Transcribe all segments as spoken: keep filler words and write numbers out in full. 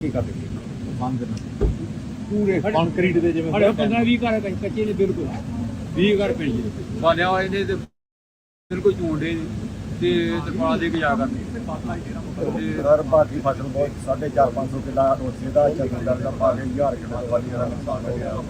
ਬੰਦ ਪੂਰੇ ਕੰਕਰੀਟ ਦੇ ਜਿਵੇਂ ਸਾਡੇ ਪੰਦਰਾਂ ਵੀਹ ਘਰ ਕੱਚੇ ਨੇ ਬਿਲਕੁਲ ਵੀਹ ਘਰ ਪਿੰਡ ਦੇ ਬਣਿਆ ਹੋਏ ਨੇ ਤੇ ਬਿਲਕੁਲ ਝੂੰਡੇ ਤੇ ਤਰਪਾਲ ਦੇ ਕੇ ਜਾ ਕਰਨੀ ਸਰ ਬਾਕੀ ਫਸਲ ਬਹੁਤ ਸਾਢੇ ਚਾਰ ਪੰਜ ਸੌ ਕਿੱਲਾ ਉਸੇ ਦਾ ਚੱਲਣ ਦਾ ਪਾ ਕੇ ਹਜ਼ਾਰ ਕਿੱਲਾ ਵਾਲੀ ਦਾ ਨੁਕਸਾਨ ਹੋ ਗਿਆ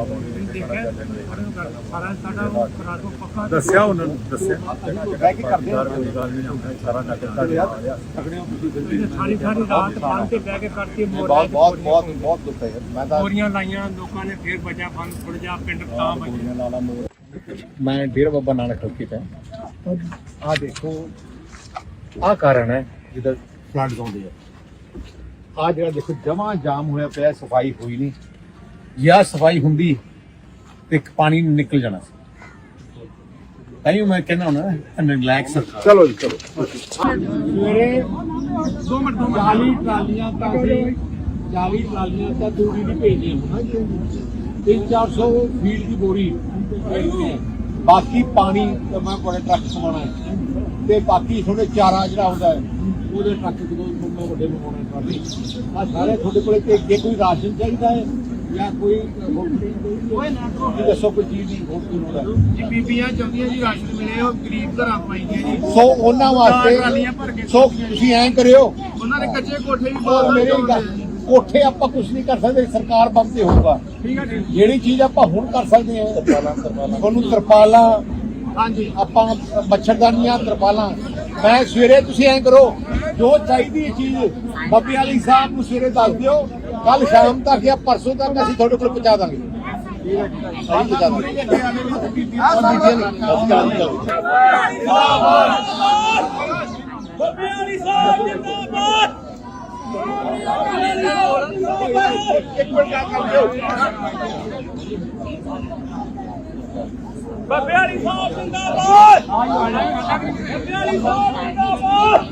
ਸਾਰਾ ਸਾਡਾ ਰਾਤੋਂ ਪੱਕਾ ਦੱਸਿਆ ਉਹਨਾਂ ਨੂੰ ਦੱਸਿਆ ਬਹਿ ਕੇ ਕਰਦੇ ਸਾਰਾ ਨਗਰ ਦਾ ਸਕਦੇ ਹੋ ਤੁਸੀਂ ਸਾਰੀ ਸਾਰੀ ਰਾਤ ਬੰਦ ਤੇ ਬਹਿ ਕੇ ਕਰਤੀ ਬਹੁਤ ਬਹੁਤ ਬਹੁਤ ਬਹੁਤ ਦੁੱਖ ਹੈ ਮੈਂ ਤਾਂ ਮੋਰੀਆਂ ਲਾਈਆਂ ਲੋਕਾਂ ਨੇ ਫੇਰ ਬਚਾ ਬੰਦ ਥੋੜ ਜਾ ਪਿੰਡ ਤਾਂ ਬਚਿਆ ਲਾਲਾ ਮੋਰ ਮੈਂ ਡੇਰਾ ਬਾਬਾ ਨਾਨਕ ਹਲਕੇ ਤੇ ਆ ਦੇਖੋ ਆ ਕਾਰਨ ਹੈ ਜਿਹਦਾ ਫਲੱਡ ਆਉਂਦੇ ਆ ਆ ਜਿਹੜਾ ਦੇਖੋ ਜਮਾ ਜਾਮ ਹੋਇਆ ਪਿਆ ਸਫਾਈ ਹੋਈ ਨਹੀਂ ਜਾਂ ਸਫਾਈ ਹੁੰਦੀ ਤੇ ਇੱਕ ਪਾਣੀ ਨਿਕਲ ਜਾਣਾ ਸੀ ਤਾਈਓ ਮੈਂ ਕਹਿੰਦਾ ਹੁਣ ਰਿਲੈਕਸ ਚਲੋ ਜੀ ਚਲੋ ਸਵੇਰੇ ਦੋ ਮਿੰਟ ਦੋ ਚਾਲੀ ਟਰਾਲੀਆਂ ਤਾਂ ਅਸੀਂ ਚਾਲੀ ਟਰਾਲੀਆਂ ਤਾਂ ਦੂਰੀ ਦੀ ਭੇਜਦੇ ਤਿੰਨ ਚਾਰ ਸੌ ਫੀਟ ਦੀ ਬੋਰੀ ਬਾਕੀ ਪਾਣੀ ਤਾਂ ਮੈਂ ਬੜੇ ਟਰੱਕ ਸਮਾਉਣਾ ਹੈ ਤੇ ਬਾਕੀ ਥੋੜੇ ਚਾਰਾ ਜਿਹੜਾ ਹੁੰਦਾ ਹੈ ਉਹਦੇ ਟਰੱਕ ਜਦੋਂ ਮੈਂ ਵੱਡੇ ਮੰਗਾਉਣੇ ਟਰਾਲੀ ਆ ਸਾਰੇ ਤੁਹਾਡੇ ਕੋਲੇ ਤੇ ਜੇ ਕੋਈ ਰਾਸ਼ਨ ਚਾਹੀਦਾ ਹੈ ਜਾਂ ਕੋਈ ਕੋਈ ਨਾ ਦੱਸੋ ਕੋਈ ਚੀਜ਼ ਦੀ ਹੋਰ ਕੋਈ ਲੋੜ ਹੈ ਜੀ ਬੀਬੀਆਂ ਚਾਹੁੰਦੀਆਂ ਜੀ ਰਾਸ਼ਨ ਮਿਲੇ ਉਹ ਗਰੀਬ ਘਰਾਂ ਪਾਈਆਂ ਜੀ ਸੋ ਉਹਨਾਂ ਵਾਸਤੇ ਸੋ ਤੁਸੀਂ ਐਂ ਕਰਿਓ ਉਹਨਾਂ ਦੇ ਕੱਚੇ ਕੋਠੇ ਵੀ ਬਹੁਤ ਮੇਰੇ ਕੋਠੇ ਆਪਾਂ ਕੁਝ ਨਹੀਂ ਕਰ ਸਕਦੇ ਸਰਕਾਰ ਬੰਦ ਤੇ ਹੋਊਗਾ ਠੀਕ ਹੈ ਜੀ ਜਿਹੜੀ ਚੀਜ਼ ਆਪਾਂ ਹੁਣ ਕਰ ਸਕਦੇ ਹਾਂ ਤਰਪਾਲਾਂ ਤਰਪਾਲਾਂ ਤੁਹਾਨੂੰ ਤਰਪਾਲਾਂ ਹਾਂਜੀ ਆਪਾਂ ਮੱਛਰਦਾਨੀਆਂ ਤਰਪਾਲਾਂ ਮੈਂ ਸਵੇਰੇ ਤੁਸੀਂ ਐਂ ਕਰੋ ਜੋ ਚਾਹੀਦੀ ਹੈ ਚੀਜ਼ ਬੱਬੀ ਵਾਲੀ ਸਾਹਿਬ ਨੂੰ ਸਵੇਰੇ ਦੱਸ ਦਿਓ ਕੱਲ ਸ਼ਾਮ ਤੱਕ ਜਾਂ ਪਰਸੋਂ ਤੱਕ ਅਸੀਂ ਤੁਹਾਡੇ ਕੋਲ ਪਹੁੰਚਾ ਦਾਂਗੇ ਅਸੀਂ ਪਹੁੰਚਾ ਬੱਬੇ ਵਾਲੀ ਸਾਹਿਬ ਜਿੰਦਾਬਾਦ ਬੱਬੇ ਵਾਲੀ ਸਾਹਿਬ ਜਿੰਦਾਬਾਦ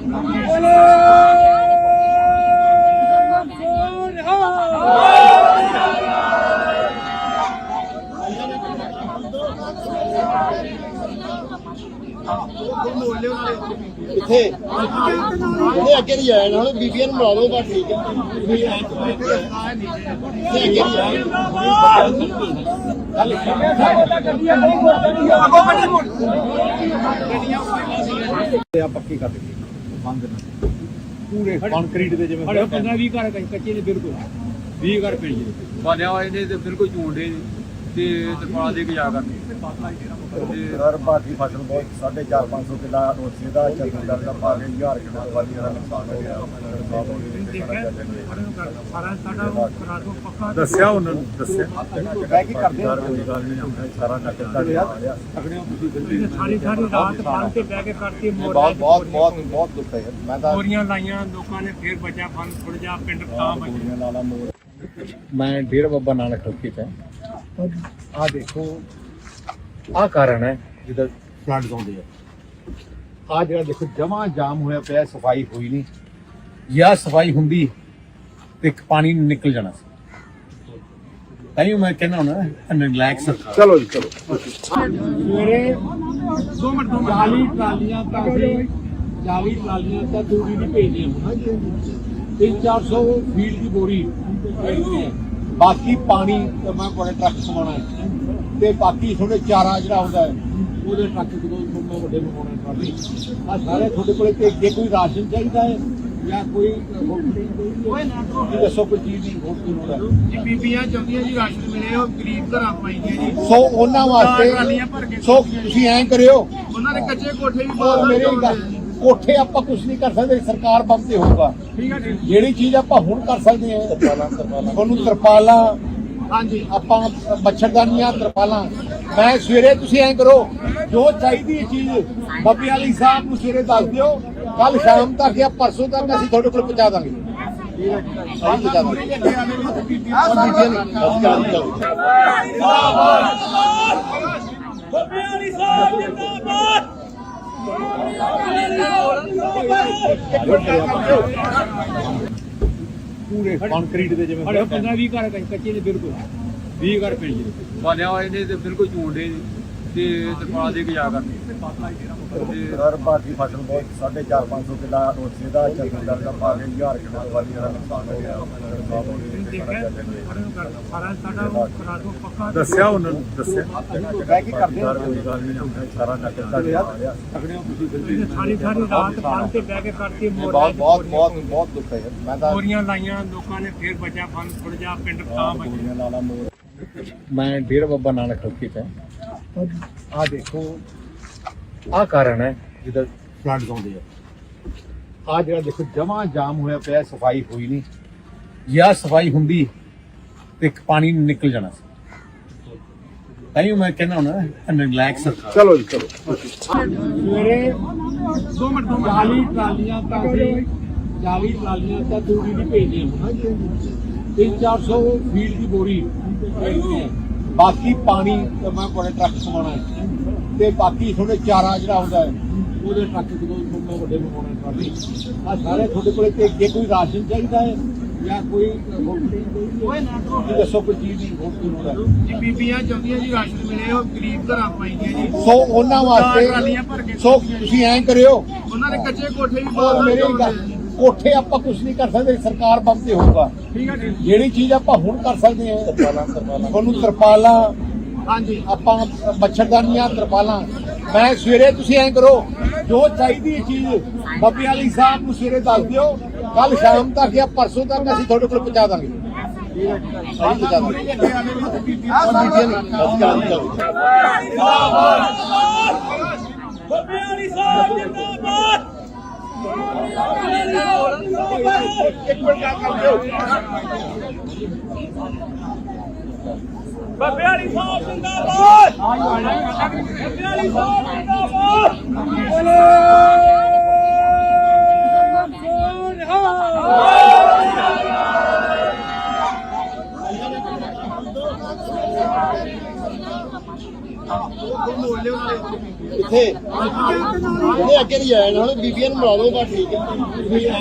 ਇੱਥੇ ਜਿਹੜੇ ਅੱਗੇ ਨਹੀਂ ਆਏ ਨਾਲ ਬੀਬੀਆਂ ਨੂੰ ਮਿਲਾ ਲਓ ਬਸ ਠੀਕ ਹੈ ਪੱਕੀ ਕਰ ਦਿੱਤੀ ਬੰਦ ਪੂਰੇ ਕੰਕਰੀਟ ਦੇ ਜਿਵੇਂ ਸਾਡੇ ਪੰਦਰਾਂ ਵੀਹ ਘਰ ਕੱਚੇ ਨੇ ਬਿਲਕੁਲ ਵੀਹ ਘਰ ਪਿੰਡ ਦੇ ਬਣਿਆ ਹੋਏ ਨੇ ਤੇ ਬਿਲਕੁਲ ਝੂੰਡੇ ਤੇ ਤਰਪਾਲ ਦੇ ਕੇ ਜਾ ਕਰਨੀ ਸਰ ਬਾਕੀ ਫਸਲ ਬਹੁਤ ਸਾਢੇ ਚਾਰ ਪੰਜ ਸੌ ਕਿੱਲਾ ਉਸੇ ਦਾ ਚੱਲਣ ਦਾ ਪਾ ਕੇ ਹਜ਼ਾਰ ਕਿੱਲਾ ਵਾਲੀ ਦਾ ਨੁਕਸਾਨ ਹੋ ਗਿਆ ਸਾਰਾ ਸਾਡਾ ਰਾਤੋਂ ਪੱਕਾ ਦੱਸਿਆ ਉਹਨਾਂ ਨੂੰ ਦੱਸਿਆ ਬਹਿ ਕੇ ਕਰਦੇ ਸਾਰਾ ਨਗਰ ਦਾ ਸਕਦੇ ਹੋ ਤੁਸੀਂ ਸਾਰੀ ਸਾਰੀ ਰਾਤ ਬੰਦ ਤੇ ਬਹਿ ਕੇ ਕਰਤੀ ਬਹੁਤ ਬਹੁਤ ਬਹੁਤ ਬਹੁਤ ਦੁੱਖ ਹੈ ਮੈਂ ਤਾਂ ਮੋਰੀਆਂ ਲਾਈਆਂ ਲੋਕਾਂ ਨੇ ਫੇਰ ਬਚਾ ਬੰਦ ਥੋੜ ਜਾ ਪਿੰਡ ਤਾਂ ਬਚਿਆ ਲਾਲਾ ਮੋਰ ਮੈਂ ਡੇਰਾ ਬਾਬਾ ਨਾਨਕ ਹਲਕੇ ਤੇ ਆ ਦੇਖੋ ਆ ਕਾਰਨ ਹੈ ਜਿਹਦਾ ਫਲੱਡ ਆਉਂਦੇ ਆ ਆ ਜਿਹੜਾ ਦੇਖੋ ਜਮਾ ਜਾਮ ਹੋਇਆ ਪਿਆ ਸਫਾਈ ਹੋਈ ਨਹੀਂ ਜਾਂ ਸਫਾਈ ਹੁੰਦੀ ਤੇ ਇੱਕ ਪਾਣੀ ਨਿਕਲ ਜਾਣਾ ਸੀ ਤਾਈਓ ਮੈਂ ਕਹਿੰਦਾ ਹੁਣ ਰਿਲੈਕਸ ਚਲੋ ਜੀ ਚਲੋ ਸਵੇਰੇ ਦੋ ਮਿੰਟ ਦੋ ਚਾਲੀ ਟਰਾਲੀਆਂ ਤਾਂ ਅਸੀਂ ਚਾਲੀ ਟਰਾਲੀਆਂ ਤਾਂ ਦੂਰੀ ਦੀ ਭੇਜਦੇ ਤਿੰਨ ਚਾਰ ਸੌ ਫੀਟ ਦੀ ਬੋਰੀ ਬਾਕੀ ਪਾਣੀ ਤਾਂ ਮੈਂ ਬੜੇ ਟਰੱਕ ਸਮਾਉਣਾ ਹੈ ਤੇ ਬਾਕੀ ਥੋੜੇ ਚਾਰਾ ਜਿਹੜਾ ਹੁੰਦਾ ਹੈ ਉਹਦੇ ਟਰੱਕ ਜਦੋਂ ਮੈਂ ਵੱਡੇ ਮੰਗਾਉਣੇ ਟਰਾਲੀ ਆ ਸਾਰੇ ਤੁਹਾਡੇ ਕੋਲੇ ਤੇ ਜੇ ਕੋਈ ਰਾਸ਼ਨ ਚਾਹੀਦਾ ਹੈ ਜਾਂ ਕੋਈ ਕੋਈ ਨਾ ਦੱਸੋ ਕੋਈ ਚੀਜ਼ ਦੀ ਹੋਰ ਕੋਈ ਲੋੜ ਹੈ ਜੀ ਬੀਬੀਆਂ ਚਾਹੁੰਦੀਆਂ ਜੀ ਰਾਸ਼ਨ ਮਿਲੇ ਉਹ ਗਰੀਬ ਘਰਾਂ ਪਾਈਆਂ ਜੀ ਸੋ ਉਹਨਾਂ ਵਾਸਤੇ ਸੋ ਤੁਸੀਂ ਐਂ ਕਰਿਓ ਉਹਨਾਂ ਦੇ ਕੱਚੇ ਕੋਠੇ ਵੀ ਬਹੁਤ ਮੇਰੇ ਕੋਠੇ ਆਪਾਂ ਕੁਝ ਨਹੀਂ ਕਰ ਸਕਦੇ ਸਰਕਾਰ ਬੰਦ ਤੇ ਹੋਊਗਾ ਠੀਕ ਹੈ ਜੀ ਜਿਹੜੀ ਚੀਜ਼ ਆਪਾਂ ਹੁਣ ਕਰ ਸਕਦੇ ਹਾਂ ਤਰਪਾਲਾਂ ਤਰਪਾਲਾਂ ਤੁਹਾਨੂੰ ਤਰਪਾਲਾਂ ਹਾਂਜੀ ਆਪਾਂ ਮੱਛਰਦਾਨੀਆਂ ਤਰਪਾਲਾਂ ਮੈਂ ਸਵੇਰੇ ਤੁਸੀਂ ਐਂ ਕਰੋ ਜੋ ਚਾਹੀਦੀ ਹੈ ਚੀਜ਼ ਬੱਬੀ ਵਾਲੀ ਸਾਹਿਬ ਨੂੰ ਸਵੇਰੇ ਦੱਸ ਦਿਓ ਕੱਲ ਸ਼ਾਮ ਤੱਕ ਜਾਂ ਪਰਸੋਂ ਤੱਕ ਅਸੀਂ ਤੁਹਾਡੇ ਕੋਲ ਪਹੁੰਚਾ ਦਾਂਗੇ ਅਸੀਂ ਪਹੁੰਚਾ ਪੂਰੇ ਕੰਕਰੀਟ ਦੇ ਜਿਵੇਂ ਸਾਡੇ ਪੰਦਰਾਂ ਵੀਹ ਘਰ ਕੱਚੇ ਨੇ ਬਿਲਕੁਲ ਵੀਹ ਘਰ ਪਿੰਡ ਦੇ ਬਣਿਆ ਹੋਏ ਨੇ ਤੇ ਬਿਲਕੁਲ ਝੂੰਡੇ ਤੇ ਤਰਪਾਲ ਦੇ ਕੇ ਜਾ ਕਰਨੀ ਤੇ ਸਰ ਭਾਰਤੀ ਫਸਲ ਬਹੁਤ ਸਾਢੇ ਚਾਰ ਪੰਜ ਸੌ ਕਿੱਲਾ ਰੋਸੇ ਦਾ ਚੱਕਰ ਦਾ ਪਾ ਕੇ ਹਜ਼ਾਰ ਕਿੱਲਾ ਤੋਂ ਵਾਲੀ ਦਾ ਨੁਕਸਾਨ ਹੋ ਗਿਆ ਦੱਸਿਆ ਉਹਨਾਂ ਨੂੰ ਦੱਸਿਆ ਬਹਿ ਕੇ ਕਰਦੇ ਸਾਰਾ ਨਕਲ ਸਾਰੀ ਸਾਰੀ ਰਾਤ ਫਲ ਤੇ ਬਹਿ ਕੇ ਕਰਕੇ ਬਹੁਤ ਬਹੁਤ ਬਹੁਤ ਬਹੁਤ ਦੁੱਖ ਹੈ ਮੈਂ ਤਾਂ ਬੋਰੀਆਂ ਲਾਈਆਂ ਲੋਕਾਂ ਨੇ ਫੇਰ ਬਚਿਆ ਫਲ ਥੋੜ ਜਾ ਪਿੰਡ ਤਾਂ ਬਚਿਆ ਲਾਲਾ ਮੋਰ ਮੈਂ ਡੇਰਾ ਬਾਬਾ ਨਾਨਕ ਠੋਕੀ ਤੇ ਆ ਦੇਖੋ ਆ ਕਾਰਨ ਹੈ ਜਿਹਦਾ ਫਲੱਡਸ ਆਉਂਦੇ ਆ ਆ ਜਿਹੜਾ ਦੇਖੋ ਜਮਾ ਜਾਮ ਹੋਇਆ ਪਿਆ ਸਫਾਈ ਹੋਈ ਨਹੀਂ ਜਾਂ ਸਫਾਈ ਹੁੰਦੀ ਤੇ ਪਾਣੀ ਨਿਕਲ ਜਾਣਾ ਸੀ ਤਾਈਓ ਮੈਂ ਕਹਿੰਦਾ ਹੁਣ ਰਿਲੈਕਸ ਚਲੋ ਜੀ ਚਲੋ ਸਵੇਰੇ ਦੋ ਮਿੰਟ ਦੋ ਚਾਲੀ ਟਰਾਲੀਆਂ ਤਾਂ ਅਸੀਂ ਚਾਲੀ ਟਰਾਲੀਆਂ ਤਾਂ ਤੂੜੀ ਦੀ ਭੇਜਦੇ ਹਾਂ ਤਿੰਨ ਚਾਰ ਸੌ ਫੀਟ ਦੀ ਬੋਰੀ ਭੇਜਦੇ ਹਾਂ ਬਾਕੀ ਪਾਣੀ ਤੇ ਮੈਂ ਕੋਲੇ ਟਰੱਕ ਸਮਾਉਣਾ ਹੈ ਤੇ ਬਾਕੀ ਤੁਹਾਡੇ ਚਾਰਾ ਜਿਹੜਾ ਹੁੰਦਾ ਹੈ ਉਹਦੇ ਟਰੱਕ ਜਦੋਂ ਮੈਂ ਵੱਡੇ ਮੰਗਾਉਣਾ ਟਰਾਲੀ ਆ ਸਾਰੇ ਤੁਹਾਡੇ ਕੋਲੇ ਤੇ ਜੇ ਕੋਈ ਰਾਸ਼ਨ ਚਾਹੀਦਾ ਹੈ ਜਾਂ ਕੋਈ ਕੋਈ ਨਾ ਦੱਸੋ ਕੋਈ ਚੀਜ਼ ਦੀ ਹੋਰ ਕੀ ਹੁੰਦਾ ਜੀ ਬੀਬੀਆਂ ਚਾਹੁੰਦੀਆਂ ਜੀ ਰਾਸ਼ਨ ਮਿਲੇ ਉਹ ਗਰੀਬ ਘਰਾਂ ਪਾਈਆਂ ਜੀ ਸੋ ਉਹਨਾਂ ਵਾਸਤੇ ਸੋ ਤੁਸੀਂ ਐਂ ਕਰਿਓ ਉਹਨਾਂ ਦੇ ਕੱਚੇ ਕੋਠੇ ਵੀ ਬਹੁਤ ਮੇਰੇ ਕੋਠੇ ਆਪਾਂ ਕੁਝ ਨਹੀਂ ਕਰ ਸਕਦੇ ਸਰਕਾਰ ਬੰਦ ਤੇ ਹੋਊਗਾ ਠੀਕ ਹੈ ਜੀ ਜਿਹੜੀ ਚੀਜ਼ ਆਪਾਂ ਹੁਣ ਕਰ ਸਕਦੇ ਹਾਂ ਤੁਹਾਨੂੰ ਤਰਪਾਲਾਂ ਹਾਂਜੀ ਆਪਾਂ ਮੱਛਰਦਾਨੀਆਂ ਤਰਪਾਲਾਂ ਮੈਂ ਸਵੇਰੇ ਤੁਸੀਂ ਐਂ ਕਰੋ ਜੋ ਚਾਹੀਦੀ ਚੀਜ਼ ਬੱਬੀ ਵਾਲੀ ਸਾਹਿਬ ਨੂੰ ਸਵੇਰੇ ਦੱਸ ਦਿਓ ਕੱਲ ਸ਼ਾਮ ਤੱਕ ਜਾਂ ਪਰਸੋਂ ਤੱਕ ਅਸੀਂ ਤੁਹਾਡੇ ਕੋਲ ਪਹੁੰਚਾ ਦਾਂਗੇ ਅਸੀਂ ਪਹੁੰਚਾ ਦਾਂਗੇ ਬੱਬੀ ਵਾਲੀ ਸਾਹਿਬ ਜਿੰਦਾਬਾਦ ਇੱਕ ਮਿੰਟ ਕਰ ਦਿਓ ਬੱਬੇ ਵਾਲੀ ਸਾਹਿਬ ਜਿੰਦਾਬਾਦ ਬੱਬੇ ਵਾਲੀ ਸਾਹਿਬ ਜਿੰਦਾਬਾਦ ਬੋਲੇ ਇੱਥੇ ਇਹ ਅੱਗੇ ਨਹੀਂ ਆਇਆ ਹੁਣ ਬੀਬੀਆਂ ਨੂੰ ਮਿਲਾ ਲਓ ਬਸ ਠੀਕ ਹੈ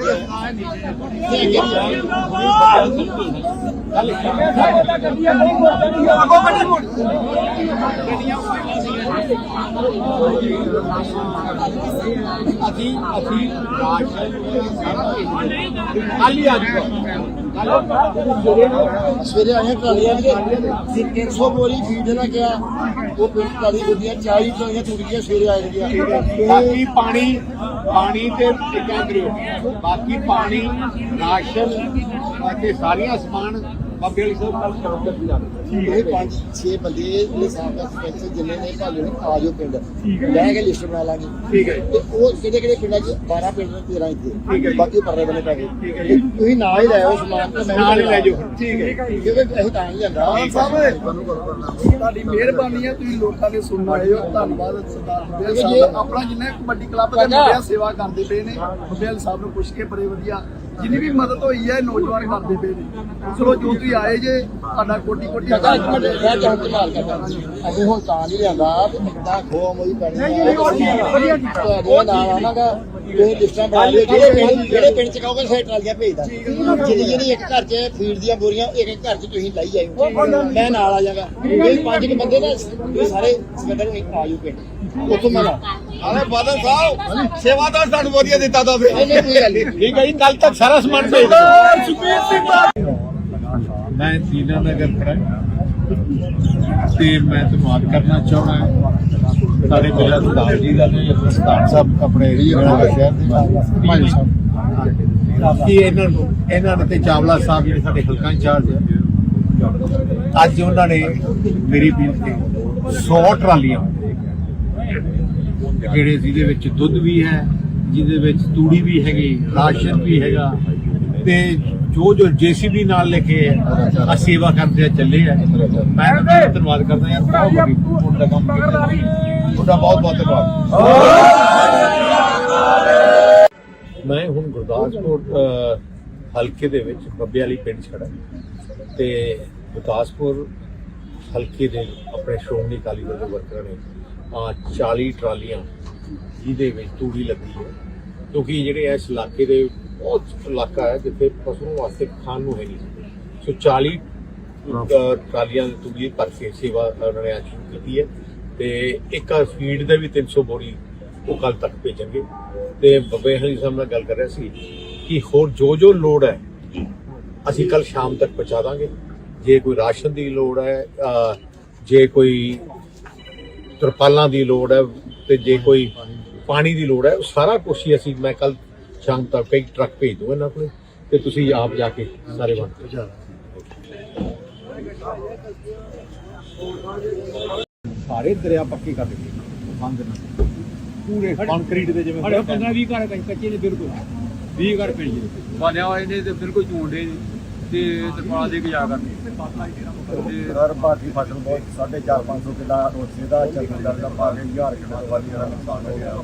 ਅਸੀਂ ਅਸੀਂ ਖਾਲੀ ਆ ਸਵੇਰੇ ਆਏ ਟਰਾਲੀਆਂ ਦੇ ਤਿੰਨ ਸੌ ਬੋਰੀ ਫੀਡ ਲੈ ਕੇ ਆ ਉਹ ਪਿੰਡ ਟਰਾਲੀ ਹੁੰਦੀਆਂ ਚਾਲੀ ਟਰਾਲੀਆਂ ਟੁੱਟੀਆਂ ਸਵੇਰੇ ਆਏ ਗਈਆਂ ਬਾਕੀ ਪਾਣੀ ਪਾਣੀ ਤੇ ਕਿਆ ਕਰਿਓ ਬਾਕੀ ਪਾਣੀ ਰਾਸ਼ਨ ਅਤੇ ਸਾਰੀਆਂ ਸਮਾਨ ਬਾਬੇ ਵਾਲੀ ਸਾਹਿਬ ਨਾਲ ਸ਼ਬਦ ਦੀ ਜਾਵੇ ਇਹ ਪੰਜ ਛੇ ਬੰਦੇ ਨੇ ਸਾਫ ਦਾ ਸਰਪੰਚ ਜਿੰਨੇ ਨੇ ਭਾਲੇ ਨੇ ਆ ਜਾਓ ਪਿੰਡ ਲੈ ਕੇ ਲਿਸਟ ਬਣਾ ਲਾਂਗੇ ਠੀਕ ਹੈ ਤੇ ਉਹ ਕਿਹੜੇ ਕਿਹੜੇ ਪਿੰਡਾਂ ਚ ਬਾਰਾਂ ਪਿੰਡ ਨੇ ਤੇਰਾਂ ਇੱਥੇ ਠੀਕ ਹੈ ਬਾਕੀ ਪਰਲੇ ਬੰਨੇ ਪੈ ਗਏ ਠੀਕ ਹੈ ਤੁਸੀਂ ਨਾਲ ਹੀ ਲੈ ਆਓ ਸਮਾਨ ਤੇ ਨਾਲ ਹੀ ਲੈ ਜਾਓ ਠੀਕ ਹੈ ਕਿਉਂਕਿ ਅਸੀਂ ਤਾਂ ਨਹੀਂ ਜਾਂਦਾ ਸਾਹਿਬ ਤੁਹਾਡੀ ਮਿਹਰਬਾਨੀ ਹੈ ਤੁਸੀਂ ਲੋਕਾਂ ਦੇ ਸੁਣਨ ਆਏ ਹੋ ਧੰਨਵਾਦ ਸਰਦਾਰ ਜੀ ਆਪਣਾ ਜਿੰਨਾ ਕਬੱਡੀ ਕਲੱਬ ਦੇ ਮੁੰਡਿਆਂ ਸੇਵਾ ਕਰਦੇ ਪਏ ਨੇ ਬੱਬੇ ਸਾਹਿਬ ਨੂੰ ਪੁੱਛ ਕੇ ਬੜੇ ਵਧੀਆ ਜਿੰਨੀ ਵੀ ਮਦਦ ਹੋਈ ਹੈ ਨੌਜਵਾਨ ਕਰਦੇ ਪਏ ਨੇ ਚਲੋ ਜੋ ਤੁਸੀਂ ਆਏ ਜੇ ਤੁਹਾਡਾ ਕੋਟੀ ਕੋਟੀ ਅਸੀਂ ਹੁਣ ਤਾਂ ਨਹੀਂ ਲਿਆਂਦਾ ਤਾਂ ਖੋਆ ਮੋਈ ਪੈਣੀ ਉਹ ਨਾਲ ਆਵਾਂਗਾ ਇਹ ਲਿਸਟਾਂ ਬਣਾ ਲਿਓ ਜਿਹੜੇ ਪਿੰਡ ਜਿਹੜੇ ਪਿੰਡ ਚ ਕਹੋਗੇ ਸੇ ਟਰਾਲੀਆਂ ਭੇਜਦਾ ਜਿਹੜੀ ਜਿਹੜੀ ਇੱਕ ਘਰ ਚ ਫੀਡ ਦੀਆਂ ਬੋਰੀਆਂ ਇੱਕ ਇੱਕ ਘਰ ਚ ਤੁਸੀਂ ਲਈ ਆਇਓ ਮੈਂ ਨਾਲ ਆ ਜਾਗਾ ਇਹ ਪੰਜ ਕੁ ਬੰਦੇ ਨਾ ਇਹ ਸਾਰੇ ਸਕੱਤਰ ਇੱਕ ਆ ਜਾਓ ਪਿੰਡ ਉੱਥੋਂ ਮੈਂ ਆਲੇ ਬਾਦਲ ਸਾਹਿਬ ਸੇਵਾਦਾਰ ਸਾਨੂੰ ਵਧੀਆ ਦਿੱਤਾ ਤਾਂ ਫੇਰ ਨਹੀਂ ਕੋਈ ਗੱਲ ਨਹੀਂ ਠੀਕ ਹੈ ਜੀ ਕੱਲ ਤੱਕ ਸਾਰਾ ਸਮਾਨ ਭੇਜ ਦਿਓ ਸੁਖਬੀਰ ਸਿੰਘ ਮੈਂ ਦੀਨਾ ਨਗਰ ਖੜਾ ਤੇ ਮੈਂ ਧੰਨਵਾਦ ਕਰਨਾ ਚਾਹੁੰਦਾ ਸਾਡੇ ਮੇਰਾ ਸਰਦਾਰ ਜੀ ਦਾ ਤੇ ਸਰਦਾਰ ਸਾਹਿਬ ਆਪਣੇ ਸ਼ਹਿਰ ਦੇ ਭਾਈ ਸਾਹਿਬ ਕਿ ਇਹਨਾਂ ਨੂੰ ਇਹਨਾਂ ਨੇ ਤੇ ਚਾਵਲਾ ਸਾਹਿਬ ਜਿਹੜੇ ਸਾਡੇ ਹਲਕਾ ਇੰਚਾਰਜ ਆ ਅੱਜ ਉਹਨਾਂ ਨੇ ਮੇਰੀ ਬੀਲ ਤੇ ਸੌ ਟਰਾਲੀਆਂ ਜਿਹੜੇ ਜਿਹਦੇ ਵਿੱਚ ਦੁੱਧ ਵੀ ਹੈ ਜਿਹਦੇ ਵਿੱਚ ਤੂੜੀ ਵੀ ਹੈਗੀ ਰਾਸ਼ਨ ਵੀ ਹੈਗਾ ਤੇ ਜੋ ਜੋ ਜੇਸੀਬੀ ਨਾਲ ਲੈ ਕੇ ਆ ਸੇਵਾ ਕਰਦੇ ਆ ਚੱਲੇ ਆ ਮੈਂ ਧੰਨਵਾਦ ਕਰਦਾ ਯਾਰ ਬਹੁਤ ਵੱਡਾ ਕੰਮ ਕੀਤਾ ਤੁਹਾਡਾ ਬਹੁਤ ਬਹੁਤ ਧੰਨਵਾਦ ਮੈਂ ਹੁਣ ਗੁਰਦਾਸਪੁਰ ਹਲਕੇ ਦੇ ਵਿੱਚ ਬੱਬੇ ਵਾਲੀ ਪਿੰਡ ਛੜਾ ਤੇ ਗੁਰਦਾਸਪੁਰ ਹਲਕੇ ਦੇ ਆਪਣੇ ਸ਼੍ਰੋਮਣੀ ਅਕਾਲੀ ਦਲ ਦੇ ਵਰਕਰਾਂ ਨੇ ਆ ਚਾਲੀ ਟਰਾਲੀਆਂ ਜਿਹਦੇ ਵਿੱਚ ਤੂੜੀ ਲੱਗੀ ਹੈ ਕਿਉਂਕਿ ਜਿਹੜੇ ਇਸ ਇਲਾਕੇ ਦੇ ਬਹੁਤ ਇਲਾਕਾ ਹੈ ਜਿੱਥੇ ਪਸ਼ੂ ਵਾਸਤੇ ਖਾਣ ਨੂੰ ਹੈ ਨਹੀਂ ਸੋ ਚਾਲੀ ਟਰਾਲੀਆਂ ਤੂੜੀ ਭਰ ਕੇ ਸੇਵਾ ਉਹਨਾਂ ਨੇ ਸ਼ੁਰੂ ਕੀਤੀ ਹੈ ਤੇ ਇੱਕ ਫੀਡ ਦੇ ਵੀ ਤਿੰਨ ਸੌ ਬੋਰੀ ਉਹ ਕੱਲ ਤੱਕ ਭੇਜਣਗੇ। ਤੇ ਬੱਬੇ ਹਲੀ ਸਾਹਿਬ ਨਾਲ ਗੱਲ ਕਰ ਰਿਹਾ ਸੀ ਕਿ ਹੋਰ ਜੋ ਜੋ ਲੋੜ ਹੈ ਅਸੀਂ ਕੱਲ ਸ਼ਾਮ ਤੱਕ ਪਹੁੰਚਾ ਦਾਂਗੇ। ਜੇ ਕੋਈ ਰਾਸ਼ਨ ਦੀ ਲੋੜ ਹੈ, ਜੇ ਕੋਈ ਤਰਪਾਲਾਂ ਦੀ ਲੋੜ ਹੈ, ਤੇ ਜੇ ਕੋਈ ਪਾਣੀ ਦੀ ਲੋੜ ਹੈ, ਉਹ ਸਾਰਾ ਕੁਛ ਹੀ ਅਸੀਂ ਮੈਂ ਕੱਲ ਸ਼ਾਮ ਤੱਕ ਕਈ ਟਰੱਕ ਭੇਜ ਦੂੰਗਾ ਇਹਨਾਂ ਕੋਲ ਤੇ ਤੁਸੀਂ ਆਪ ਜਾ ਕੇ ਸਾਰੇ ਵੰਡ ਕੇ ਸਾਰੇ ਦਰਿਆ ਪੱਕੇ ਕਰ ਦਿੱਤੇ ਬੰਦ ਨਾ ਪੂਰੇ ਕੰਕਰੀਟ ਦੇ ਜਿਵੇਂ ਸਾਡੇ ਪੰਦਰਾਂ ਵੀਹ ਘਰ ਕੱਚੇ ਨੇ ਬਿਲਕੁਲ ਵੀਹ ਘਰ ਪਿੰਡ ਦੇ ਬਾਲਿਆ ਹੋਏ ਨੇ ਤੇ ਬਿਲਕੁਲ ਝੂੰਡੇ ਨੇ ਤੇ ਤਰਪਾਲ ਦੇ ਕੇ ਜਾ ਕਰਦੇ ਤੇ ਸਰ ਬਾਕੀ ਫਸਲ ਬਹੁਤ ਸਾਢੇ ਚਾਰ ਪੰਜ ਸੌ ਕਿੱਲਾ ਰੋਸੇ ਦਾ ਚੱਲਣ ਦਾ ਪਾ ਕੇ ਹਜ਼ਾਰ ਕਿੱਲਾ ਵਾਲੀ ਦਾ ਨੁਕਸਾਨ ਹੋ ਗਿਆ।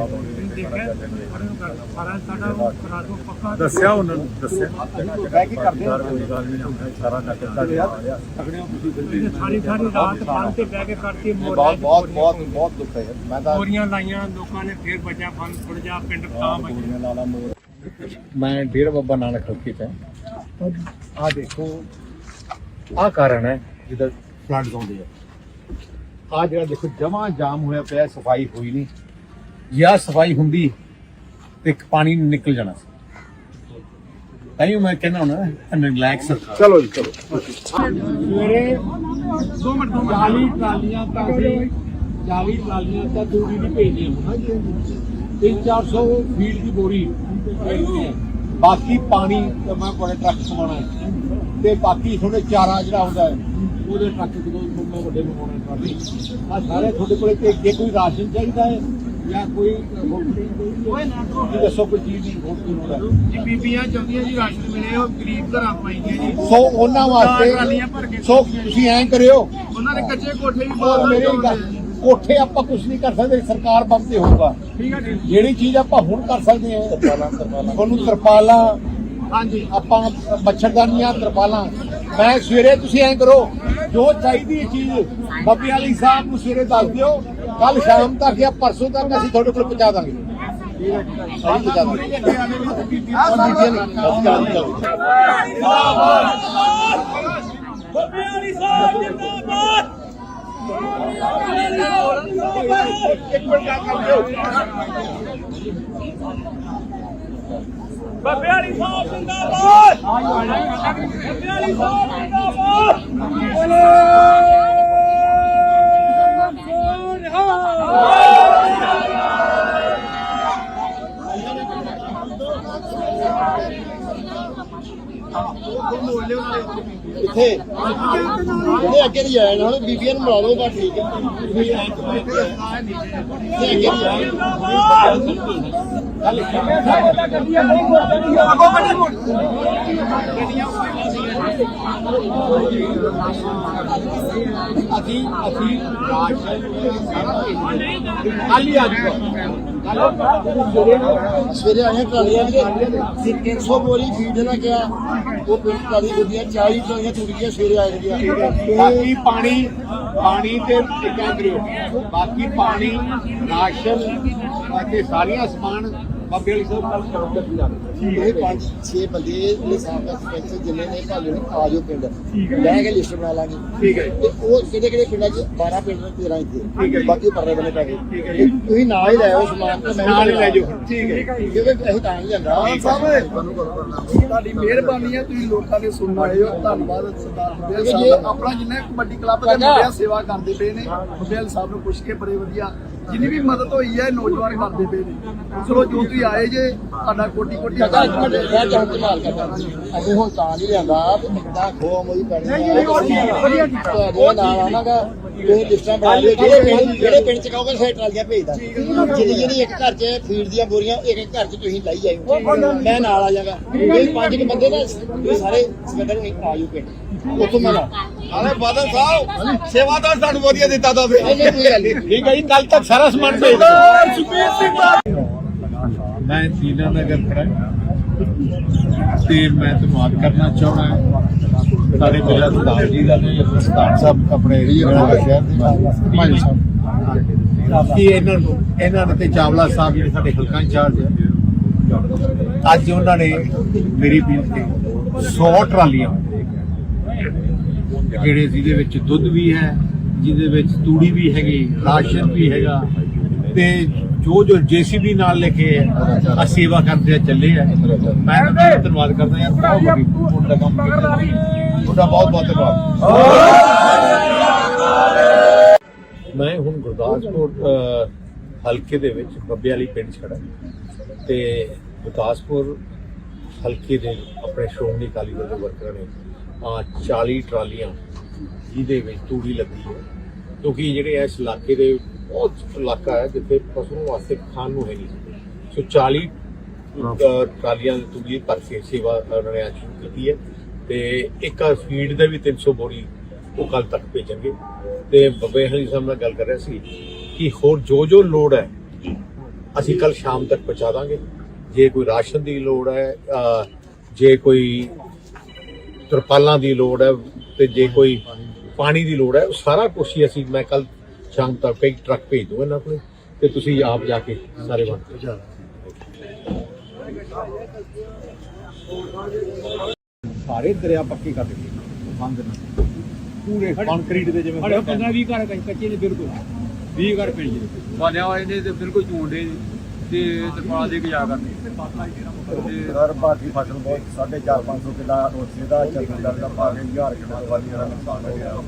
ਸਾਰਾ ਸਾਡਾ ਕਰਾ ਦੋ ਪੱਕਾ ਦੱਸਿਆ ਉਹਨਾਂ ਨੂੰ ਦੱਸਿਆ ਕਹਿ ਕੀ ਕਰਦੇ ਆ ਸਾਰਾ ਨਕਲ ਦਾ ਲਿਆ ਸਾਰੀ ਸਾਰੀ ਰਾਤ ਬੰਨ ਤੇ ਬਹਿ ਕੇ ਕਰਕੇ ਬਹੁਤ ਬਹੁਤ ਬਹੁਤ ਬਹੁਤ ਦੁੱਖ ਹੈ ਮੈਂ ਤਾਂ ਮੋਰੀਆਂ ਲਾਈਆਂ ਲੋਕਾਂ ਨੇ ਫੇਰ ਬਚਾ ਬੰਨ ਥੋੜਾ ਜਿਹਾ ਪਿੰਡ ਤਾਂ ਬਚਿਆ ਲਾਲਾ ਮੋਰ ਮੈਂ ਡੇਰਾ ਬਾਬਾ ਨਾਨਕ ਹਲਕੇ 'ਚ ਹਾਂ। ਆਹ ਦੇਖੋ ਆਹ ਕਾਰਨ ਹੈ ਜਿਹਦਾ ਫਲੱਡਸ ਆਉਂਦੇ ਆ। ਆਹ ਜਿਹੜਾ ਦੇਖੋ ਜਮਾ ਜਾਮ ਹੋਇਆ ਪਿਆ, ਸਫਾਈ ਹੋਈ ਨਹੀਂ। ਜਾਂ ਸਫਾਈ ਹੁੰਦੀ ਤੇ ਪਾਣੀ ਨਿਕਲ ਜਾਣਾ ਸੀ। ਤਾਂ ਹੀ ਮੈਂ ਕਹਿੰਦਾ ਹੁਣ ਰਿਲੈਕਸ ਚਲੋ ਜੀ ਚਲੋ ਸਵੇਰੇ ਦੋ ਮਿੰਟ ਦੋ ਚਾਲੀ ਟਰਾਲੀਆਂ ਤਾਂ ਅਸੀਂ ਚਾਲੀ ਟਰਾਲੀਆਂ ਤਾਂ ਤੂੜੀ ਦੀ ਭੇਜਦੇ ਹਾਂ ਜੀ। ਤਿੰਨ ਚਾਰ ਸੌ ਫੀਟ ਦੀ ਬੋਰੀ ਭੇਜਦੇ ਹਾਂ। ਬਾਕੀ ਪਾਣੀ ਤੇ ਮੈਂ ਬੜੇ ਟਰੱਕ ਸਮਾਉਣਾ ਹੈ ਤੇ ਬਾਕੀ ਤੁਹਾਡੇ ਚਾਰਾ ਜਿਹੜਾ ਹੁੰਦਾ ਹੈ ਉਹਦੇ ਟਰੱਕ ਜਦੋਂ ਮੈਂ ਵੱਡੇ ਮੰਗਵਾਉਣੇ ਟਰਾਲੀ ਆ ਸਾਰੇ ਤੁਹਾਡੇ ਕੋਲ ਤੇ ਜੇ ਕੋਈ ਰਾਸ਼ਨ ਚਾਹੀਦਾ ਹੈ ਜਾਂ ਕੋਈ ਕੋਈ ਦੱਸੋ ਕੋਈ ਚੀਜ਼ ਦੀ ਹੋਰ ਕੀ ਲੋੜ ਹੈ ਜੀ ਬੀਬੀਆਂ ਚਾਹੁੰਦੀਆਂ ਜੀ ਰਾਸ਼ਨ ਮਿਲੇ ਉਹ ਗਰੀਬ ਘਰਾਂ ਪਾਈਆਂ ਜੀ ਸੋ ਉਹਨਾਂ ਟਰਾਲੀਆਂ ਭਰ ਵਾਸਤੇ ਕੇ ਸੋ ਤੁਸੀਂ ਐਂ ਕਰਿਓ ਉਹਨਾਂ ਦੇ ਕੱਚੇ ਕੋਠੇ ਵੀ ਔਰ ਬਹੁਤ ਮੇਰੀ ਗੱਲ ਕੋਠੇ ਆਪਾਂ ਕੁਝ ਨਹੀਂ ਕਰ ਸਕਦੇ, ਸਰਕਾਰ ਬੰਦ ਤੇ ਹੋਊਗਾ। ਠੀਕ ਹੈ ਜੀ ਜਿਹੜੀ ਚੀਜ਼ ਆਪਾਂ ਹੁਣ ਕਰ ਸਕਦੇ ਹਾਂ ਤਰਪਾਲਾਂ ਤਰਪਾਲਾਂ ਤੁਹਾਨੂੰ ਤਰਪਾਲਾਂ ਹਾਂਜੀ ਆਪਾਂ ਮੱਛਰਦਾਨੀਆਂ ਤਰਪਾਲਾਂ ਮੈਂ ਸਵੇਰੇ ਤੁਸੀਂ ਐਂ ਕਰੋ ਜੋ ਚਾਹੀਦੀ ਹੈ ਚੀਜ਼ ਬੱਬੇ ਵਾਲੀ ਸਾਹਿਬ ਨੂੰ ਸਵੇਰੇ ਦੱਸ ਦਿਓ, ਕੱਲ ਸ਼ਾਮ ਤੱਕ ਜਾਂ ਪਰਸੋਂ ਤੱਕ ਅਸੀਂ ਤੁਹਾਡੇ ਕੋਲ ਪਹੁੰਚਾ ਦਾਂਗੇ। ਅਸੀਂ ਪਹੁੰਚਾ ਦਾਂਗੇ। ਬੱਬੇ ਵਾਲੀ ਸਾਹਿਬ ਜਿੰਦਾਬਾਦ ਬੱਬੇ ਵਾਲੀ ਸਾਹਿਬ ਜਿੰਦਾਬਾਦ ਕਿੱਥੇ ਜਿਹੜੇ ਅੱਗੇ ਨਹੀਂ ਆਏ ਹੁਣ ਬੀਬੀਆਂ ਨੂੰ ਮਿਲਾ ਲਓ ਬਸ ਠੀਕ ਹੈ ਤੁਸੀਂ ਅੱਗੇ ਨਹੀਂ ਆਏ ਅਸੀਂ ਅਸੀਂ ਰਾਸ਼ਨ ਖਾਲੀ ਆ ਜਾਊਗਾ ਸਵੇਰੇ ਆਏ ਟਰਾਲੀਆਂ ਦੇ ਤਿੰਨ ਸੌ ਬੋਰੀ ਫੀਡ ਨਾ ਗਿਆ ਉਹ ਪਿੰਡ ਟਰਾਲੀ ਹੁੰਦੀਆਂ ਚਾਲੀ ਟਰਾਲੀਆਂ ਤੁਰੀਆਂ ਸਵੇਰੇ ਆਏ ਗਿਆ ਬਾਕੀ ਪਾਣੀ ਪਾਣੀ ਤੇ ਟਿਕਾ ਕਰਿਓ ਬਾਕੀ ਪਾਣੀ ਰਾਸ਼ਨ ਅਤੇ ਸਾਰੀਆਂ ਸਮਾਨ ਬਾਬੇ ਵਾਲੀ ਸਾਹਿਬ ਕੱਲ ਕਰੋ ਤੇ ਇਹ ਪੰਜ ਛੇ ਬੰਦੇ ਨੇ ਸਾਹਿਬ ਦਾ ਸਰਪੰਚ ਜਿੰਨੇ ਨੇ ਭਾਲੇ ਨੇ ਆ ਜਾਓ ਪਿੰਡ ਲੈ ਕੇ ਲਿਸਟ ਬਣਾ ਲਾਂਗੇ ਠੀਕ ਹੈ ਤੇ ਉਹ ਕਿਹੜੇ ਕਿਹੜੇ ਪਿੰਡਾਂ 'ਚ ਬਾਰਾਂ ਪਿੰਡ ਨੇ ਤੇਰਾਂ ਠੀਕ ਹੈ ਇੱਥੇ ਜੀ। ਬਾਕੀ ਪਰਲੇ ਬੰਨੇ ਪੈ ਗਏ ਠੀਕ ਹੈ ਜੀ। ਤੁਸੀਂ ਨਾਲ ਹੀ ਲੈ ਆਓ ਸਮਾਨ ਤੇ ਮੈਂ ਨਾਲ ਹੀ ਲੈ ਜਾਓ ਠੀਕ ਹੈ ਕਿਉਂਕਿ ਅਸੀਂ ਤਾਂ ਨਹੀਂ ਜਾਂਦਾ ਤੁਹਾਡੀ ਮਿਹਰਬਾਨੀ ਹੈ ਤੁਸੀਂ ਲੋਕਾਂ ਦੇ ਸੁਣਨ ਆਏ ਹੋ ਧੰਨਵਾਦ ਸਰਦਾਰ ਬੁੱਢੇਲ ਜੀ। ਸਾਹਿਬ ਦਾ। ਆਪਣਾ ਜਿੰਨਾ ਕਬੱਡੀ ਕਲੱਬ ਦੇ ਮੁੰਡਿਆਂ ਸੇਵਾ ਕਰਦੇ ਪਏ ਨੇ ਬੁੱਢੇਲ ਸਾਹਿਬ ਨੂੰ ਪੁੱਛ ਕੇ ਬੜੇ ਵਧੀਆ ਜਿੰਨੀ ਵੀ ਮਦਦ ਹੋਈ ਹੈ ਨੌਜਵਾਨ ਕਰਦੇ ਪਏ ਨੇ। ਚਲੋ ਜੋ ਤੁਸੀਂ ਆਏ ਜੇ ਤੁਹਾਡਾ ਕੋਟੀ ਕੋਟੀ ਕਾਕਾ ਇੱਕ ਮਿੰਟ ਮੈਂ ਚਾਹੁੰਦਾ ਸਵਾਲ ਕਰਦਾ ਅਸੀਂ ਹੁਣ ਤਾਂ ਨਹੀਂ ਲਿਆਂਦਾ ਤੇ ਇੰਨਾ ਖੋਆ ਮੋਈ ਪੈਣੀ ਨਹੀਂ, ਨਹੀਂ, ਉਹ ਠੀਕ ਹੈ, ਵਧੀਆ ਕੀਤਾ। ਤੁਹਾਡੇ ਨਾਲ ਆਵਾਂਗਾ ਤੁਸੀਂ ਲਿਸਟਾਂ ਬਣਾ ਲਿਓ ਜਿਹੜੇ ਪਿੰਡ ਜਿਹੜੇ ਪਿੰਡ 'ਚ ਕਹੋਗੇ ਸੇ ਟਰਾਲੀਆਂ ਭੇਜਦਾ ਜਿਹੜੀ ਜਿਹੜੀ ਇੱਕ ਘਰ 'ਚ ਫੀਡ ਦੀਆਂ ਬੋਰੀਆਂ ਇੱਕ ਇੱਕ ਘਰ 'ਚ ਤੁਸੀਂ ਲਾਈ ਜਾਇਓ ਮੈਂ ਨਾਲ ਆ ਜਾਵਾਂਗਾ ਇਹ ਪੰਜ ਕੁ ਬੰਦੇ ਨਾ ਤੁਸੀਂ ਸਾਰੇ ਸਿਕੰਦਰ ਨੂੰ ਆ ਜਾਓ ਪਿੰਡ ਉੱਥੋਂ ਮੈਂ ਲਾ ਅਰੇ ਬਾਦਲ ਸਾਹਿਬ ਸੇਵਾਦਾਰ ਸਾਨੂੰ ਵਧੀਆ ਦਿੱਤਾ ਤਾਂ ਨਹੀਂ ਨਹੀਂ ਕੋਈ ਗੱਲ ਨਹੀਂ ਠੀਕ ਹੈ ਜੀ ਕੱਲ ਤੱਕ ਸਾਰਾ ਸਮਾਨ ਭੇਜ ਦਿਓ ਮੈਂ ਦੀਨਾ ਨਗਰ ਖੜਾ ਤੇ ਮੈਂ ਤੁਹਾਨੂੰ ਯਾਦ ਕਰਨਾ ਚਾਹੁੰਦਾ ਸਾਡੇ ਮੇਰਾ ਸਰਦਾਰ ਜੀ ਦਾ ਤੇ ਸਰਦਾਰ ਸਾਹਿਬ ਆਪਣੇ ਸ਼ਹਿਰ ਦੇ ਭਾਈ ਸਾਹਿਬ ਕਿ ਇਹਨਾਂ ਨੂੰ ਇਹਨਾਂ ਨੇ ਤੇ ਚਾਵਲਾ ਸਾਹਿਬ ਜਿਹੜੇ ਸਾਡੇ ਹਲਕਾ ਇੰਚਾਰਜ ਆ ਅੱਜ ਉਹਨਾਂ ਨੇ ਮੇਰੀ ਬੇਨਤੀ ਸੌ ਟਰਾਲੀਆਂ ਜਿਹੜੇ ਜਿਹਦੇ ਵਿੱਚ ਦੁੱਧ ਵੀ ਹੈ ਜਿਹਦੇ ਵਿੱਚ ਤੂੜੀ ਵੀ ਹੈਗੀ, ਰਾਸ਼ਨ ਵੀ ਹੈਗਾ ਤੇ ਜੋ ਜੋ ਜੇਸੀਬੀ ਨਾਲ ਲੈ ਕੇ ਆ ਸੇਵਾ ਕਰਦੇ ਆ ਚੱਲੇ ਆ। ਮੈਂ ਤੁਹਾਡਾ ਧੰਨਵਾਦ ਕਰਦਾ ਯਾਰ, ਬਹੁਤ ਵੱਡੀ ਤੁਹਾਡਾ ਕੰਮ ਕੀਤਾ, ਤੁਹਾਡਾ ਬਹੁਤ ਬਹੁਤ ਧੰਨਵਾਦ। ਮੈਂ ਹੁਣ ਗੁਰਦਾਸਪੁਰ ਅ, ਹਲਕੇ ਦੇ ਵਿੱਚ ਬੱਬੇ ਵਾਲੀ ਪਿੰਡ 'ਚ ਖੜਾ ਤੇ ਗੁਰਦਾਸਪੁਰ ਹਲਕੇ ਦੇ ਆਪਣੇ ਸ਼੍ਰੋਮਣੀ ਅਕਾਲੀ ਦਲ ਦੇ ਵਰਕਰਾਂ ਨੇ ਆ ਚਾਲੀ ਟਰਾਲੀਆਂ ਜਿਹਦੇ ਵਿੱਚ ਤੂੜੀ ਲੱਗੀ ਹੈ, ਕਿਉਂਕਿ ਜਿਹੜੇ ਇਸ ਇਲਾਕੇ ਦੇ ਬਹੁਤ ਇਲਾਕਾ ਹੈ ਜਿੱਥੇ ਪਸ਼ੂਆਂ ਵਾਸਤੇ ਖਾਣ ਨੂੰ ਹੈ ਨਹੀਂ, ਸੋ ਚਾਲੀ ਅ, ਟਰਾਲੀਆਂ ਤੂੜੀ ਭਰ ਕੇ ਸੇਵਾ ਉਹਨਾਂ ਨੇ ਅੱਜ ਸ਼ੁਰੂ ਕੀਤੀ ਹੈ ਤੇ ਇੱਕ ਫੀਡ ਦੇ ਵੀ ਤਿੰਨ ਸੌ ਬੋਰੀ ਉਹ ਕੱਲ ਤੱਕ ਭੇਜਣਗੇ। ਤੇ ਬੱਬੇ ਹਲੀ ਸਾਹਿਬ ਨਾਲ ਗੱਲ ਕਰ ਰਿਹਾ ਸੀ ਕਿ ਹੋਰ ਜੋ ਜੋ ਲੋੜ ਹੈ ਅਸੀਂ ਕੱਲ ਸ਼ਾਮ ਤੱਕ ਪਹੁੰਚਾ ਦਾਂਗੇ। ਜੇ ਕੋਈ ਰਾਸ਼ਨ ਦੀ ਲੋੜ ਹੈ, ਅ, ਜੇ ਕੋਈ ਤਰਪਾਲਾਂ ਦੀ ਲੋੜ ਹੈ ਤੇ ਜੇ ਕੋਈ ਪਾਣੀ ਦੀ ਲੋੜ ਹੈ, ਉਹ ਸਾਰਾ ਕੁਛ ਹੀ ਅਸੀਂ ਮੈਂ ਕੱਲ ਸ਼ਾਮ ਤੱਕ ਇੱਕ ਟਰੱਕ ਭੇਜ ਦੂੰਗਾ ਇਹਨਾਂ ਕੋਲ ਤੇ ਤੁਸੀਂ ਆਪ ਜਾ ਕੇ ਸਾਰੇ ਵੰਡ ਦਿਓ। ਸਾਰੇ ਦਰਿਆ ਪੱਕੇ ਕਰ ਦਿੱਤੇ ਬੰਦ ਨਾ ਪੂਰੇ ਕੰਕਰੀਟ ਦੇ ਜਿਵੇਂ ਸਾਡੇ ਪੰਦਰਾਂ ਵੀਹ ਘਰ ਕੱਚੇ ਨੇ ਬਿਲਕੁਲ ਵੀਹ ਘਰ ਪਿੰਡ ਦੇ ਬਾਲਿਆ ਹੋਏ ਨੇ ਤੇ ਬਿਲਕੁਲ ਝੂੰਡੇ ਤੇ ਤਰਪਾਲ ਦੇ ਕੇ ਜਾ ਕਰਦੇ ਤੇ ਸਰ ਭਾਰਤੀ ਫਸਲ ਬਹੁਤ ਸਾਢੇ ਚਾਰ ਪੰਜ ਸੌ ਕਿੱਲਾ ਉਸੇ ਦਾ ਚੱਲਦਾ ਦਾ ਭਾਵੇਂ ਹਜ਼ਾਰ ਕਿੱਲਾ ਵਾਲੀ ਦਾ ਨੁਕਸਾਨ ਹੋ ਗਿਆ।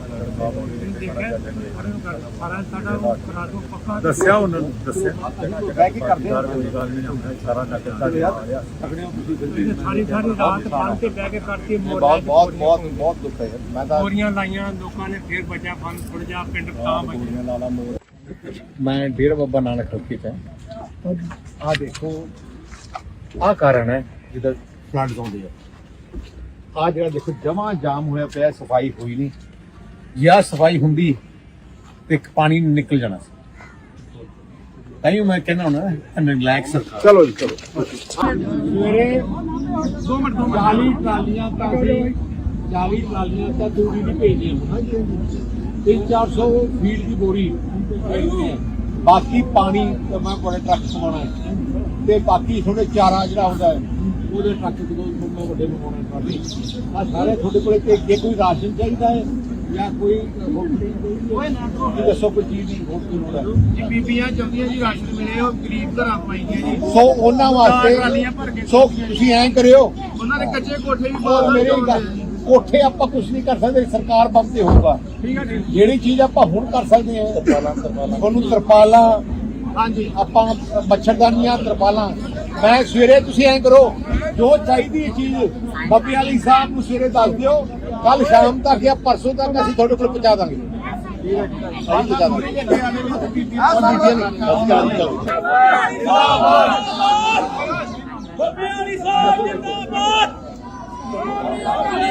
ਸਾਰਾ ਸਾਡਾ ਕਰਾ ਦੋ ਪੱਕਾ ਦੱਸਿਆ ਉਹਨਾਂ ਨੂੰ ਦੱਸਿਆ ਬਹਿ ਕੇ ਕਰਦੇ ਆ ਸਾਰਾ ਨਗਰ ਸਾਡੇ ਸਾਰੀ ਸਾਰੀ ਰਾਤ ਬੰਨ ਕੇ ਬਹਿ ਕੇ ਕਰਤੀ ਬਹੁਤ ਬਹੁਤ ਬਹੁਤ ਬਹੁਤ ਦੁੱਖ ਹੈ ਮੈਂ ਤਾਂ ਮੋਰੀਆਂ ਲਾਈਆਂ ਲੋਕਾਂ ਨੇ ਫੇਰ ਬਚਾ ਫਨ ਥੋੜਾ ਜਿਹਾ ਪਿੰਡ ਤਾਂ ਬਚਿਆ। ਲਾਲਾ ਮੋਰ ਮੈਂ ਡੇਰਾ ਬਾਬਾ ਨਾਨਕ ਹਲਕੇ ਚ ਆ ਦੇਖੋ ਆ ਕਾਰਨ ਹੈ ਜਿਹਦਾ ਫਲੱਡ ਆਉਂਦੇ ਆ। ਆ ਜਿਹੜਾ ਦੇਖੋ ਜਮਾ ਜਾਮ ਹੋਇਆ ਪਿਆ, ਸਫਾਈ ਹੋਈ ਨਹੀਂ, ਜਾਂ ਸਫਾਈ ਹੁੰਦੀ ਤੇ ਪਾਣੀ ਨਿਕਲ ਜਾਣਾ ਸੀ। ਤਾਂ ਹੀ ਮੈਂ ਕਹਿੰਦਾ ਹੁਣ ਰਿਲੈਕਸ ਚਲੋ ਜੀ ਚਲੋ। ਸਵੇਰੇ ਦੋ ਮਿੰਟ ਦੋ ਚਾਲੀ ਟਰਾਲੀਆਂ ਤਾਂ ਅਸੀਂ ਚਾਲੀ ਟਰਾਲੀਆਂ ਤਾਂ ਤੂੜੀ ਦੀ ਭੇਜਦੇ ਹਾਂ ਤਿੰਨ ਚਾਰ ਸੌ ਫੀਟ ਦੀ ਬੋਰੀ ਭੇਜਦੇ ਹਾਂ। ਬਾਕੀ ਪਾਣੀ ਤਾਂ ਮੈਂ ਬੜੇ ਟਰੱਕ ਸਮਾਉਣਾ ਹੈ ਤੇ ਬਾਕੀ ਤੁਹਾਡੇ ਚਾਰਾ ਜਿਹੜਾ ਹੁੰਦਾ ਹੈ ਉਹਦੇ ਟਰੱਕ ਜਦੋਂ ਮੈਂ ਵੱਡੇ ਮੰਗਵਾਉਣੇ ਟਰਾਲੀ ਆ ਸਾਰੇ ਤੁਹਾਡੇ ਕੋਲੇ ਤੇ ਜੇ ਕੋਈ ਰਾਸ਼ਨ ਚਾਹੀਦਾ ਹੈ ਜਾਂ ਕੋਈ ਕੋਈ ਨਾ ਦੱਸੋ ਕੋਈ ਚੀਜ਼ ਦੀ ਹੋਰ ਕੀ ਲੋੜ ਹੈ ਜੀ ਬੀਬੀਆਂ ਚਾਹੁੰਦੀਆਂ ਜੀ ਰਾਸ਼ਨ ਮਿਲੇ ਉਹ ਗਰੀਬ ਘਰਾਂ ਪਾਈਆਂ ਜੀ ਸੋ ਉਹਨਾਂ ਟਰਾਲੀਆਂ ਭਰ ਵਾਸਤੇ ਕੇ ਸੋ ਤੁਸੀਂ ਐਂ ਕਰਿਓ ਉਹਨਾਂ ਦੇ ਕੱਚੇ ਕੋਠੇ ਵੀ ਔਰ ਬਹੁਤ ਮੇਰੀ ਗੱਲ ਕੋਠੇ ਆਪਾਂ ਕੁਝ ਨਹੀਂ ਕਰ ਸਕਦੇ, ਸਰਕਾਰ ਬੰਦ ਤੇ ਹੋਊਗਾ। ਠੀਕ ਹੈ ਜੀ ਜਿਹੜੀ ਚੀਜ਼ ਆਪਾਂ ਹੁਣ ਕਰ ਸਕਦੇ ਹਾਂ ਤੁਹਾਨੂੰ ਤਰਪਾਲਾਂ ਹਾਂਜੀ ਆਪਾਂ ਮੱਛਰਦਾਨੀਆਂ ਤਰਪਾਲਾਂ ਮੈਂ ਸਵੇਰੇ ਤੁਸੀਂ ਐਂ ਕਰੋ ਜੋ ਚਾਹੀਦੀ ਹੈ ਚੀਜ਼ ਬੱਬੇ ਵਾਲੀ ਸਾਹਿਬ ਨੂੰ ਸਵੇਰੇ ਦੱਸ ਦਿਓ, ਕੱਲ ਸ਼ਾਮ ਤੱਕ ਜਾਂ ਪਰਸੋਂ ਤੱਕ ਅਸੀਂ ਤੁਹਾਡੇ ਕੋਲ ਪਹੁੰਚਾ ਦਾਂਗੇ। ਅਸੀਂ ਪਹੁੰਚਾ ਦਾਂਗੇ। ਬੱਬੇ ਵਾਲੀ ਸਾਹਿਬ ਜਿੰਦਾਬਾਦ।